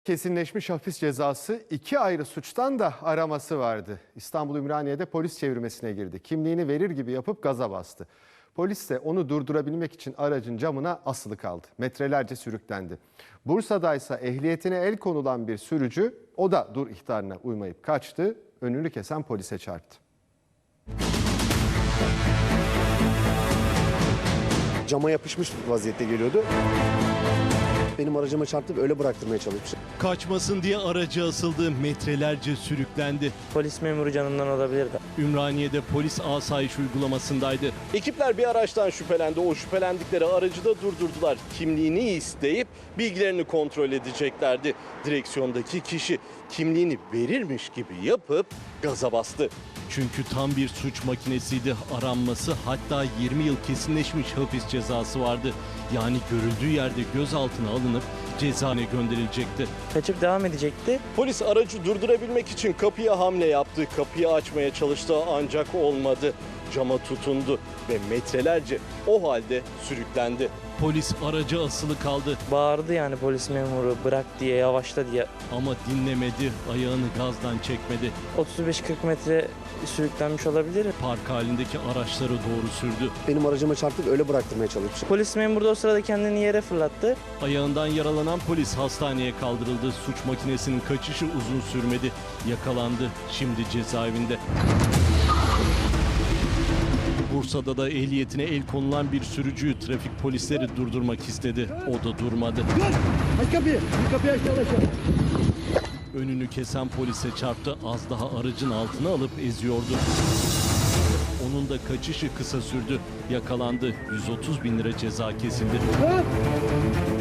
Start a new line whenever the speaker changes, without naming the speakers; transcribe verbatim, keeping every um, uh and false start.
Kesinleşmiş hapis cezası iki ayrı suçtan da araması vardı. İstanbul Ümraniye'de polis çevirmesine girdi. Kimliğini verir gibi yapıp gaza bastı. Polis de onu durdurabilmek için aracın camına asılı kaldı. Metrelerce sürüklendi. Bursa'daysa ehliyetine el konulan bir sürücü, o da dur ihtarına uymayıp kaçtı. Önünü kesen polise çarptı.
Cama yapışmış vaziyette geliyordu. Benim aracıma çarptı ve öyle bıraktırmaya çalışmış.
Kaçmasın diye aracı asıldı, metrelerce sürüklendi.
Polis memuru canından olabilirdi.
Ümraniye'de polis asayiş uygulamasındaydı.
Ekipler bir araçtan şüphelendi. O şüphelendikleri aracı da durdurdular. Kimliğini isteyip bilgilerini kontrol edeceklerdi. Direksiyondaki kişi kimliğini verirmiş gibi yapıp gaza bastı.
Çünkü tam bir suç makinesiydi. Aranması, hatta yirmi yıl kesinleşmiş hapis cezası vardı. Yani görüldüğü yerde gözaltına alınıp cezaevine gönderilecekti.
Kaçıp devam edecekti.
Polis aracı durdurabilmek için kapıya hamle yaptı. Kapıyı açmaya çalıştı ancak olmadı. Cama tutundu ve metrelerce o halde sürüklendi.
Polis aracı asılı kaldı
Bağırdı yani polis memuru, bırak diye, yavaşla diye.
ama dinlemedi, ayağını gazdan çekmedi.
otuz beş kırk metre sürüklenmiş olabilir.
Park halindeki araçları doğru sürdü.
Benim aracıma çarptı ve öyle bıraktırmaya çalışmış.
Polis memuru da o sırada kendini yere fırlattı.
Ayağından yaralanan polis hastaneye kaldırıldı. Suç makinesinin kaçışı uzun sürmedi. Yakalandı. Şimdi cezaevinde. Bursa'da da ehliyetine el konulan bir sürücüyü trafik polisleri durdurmak istedi. O da durmadı.
Aç kapıyı, bir kapıyı aç aşağı.
Önünü kesen polise çarptı. Az daha aracın altına alıp eziyordu. Onun da kaçışı kısa sürdü. Yakalandı. yüz otuz bin lira ceza kesildi.
Ha?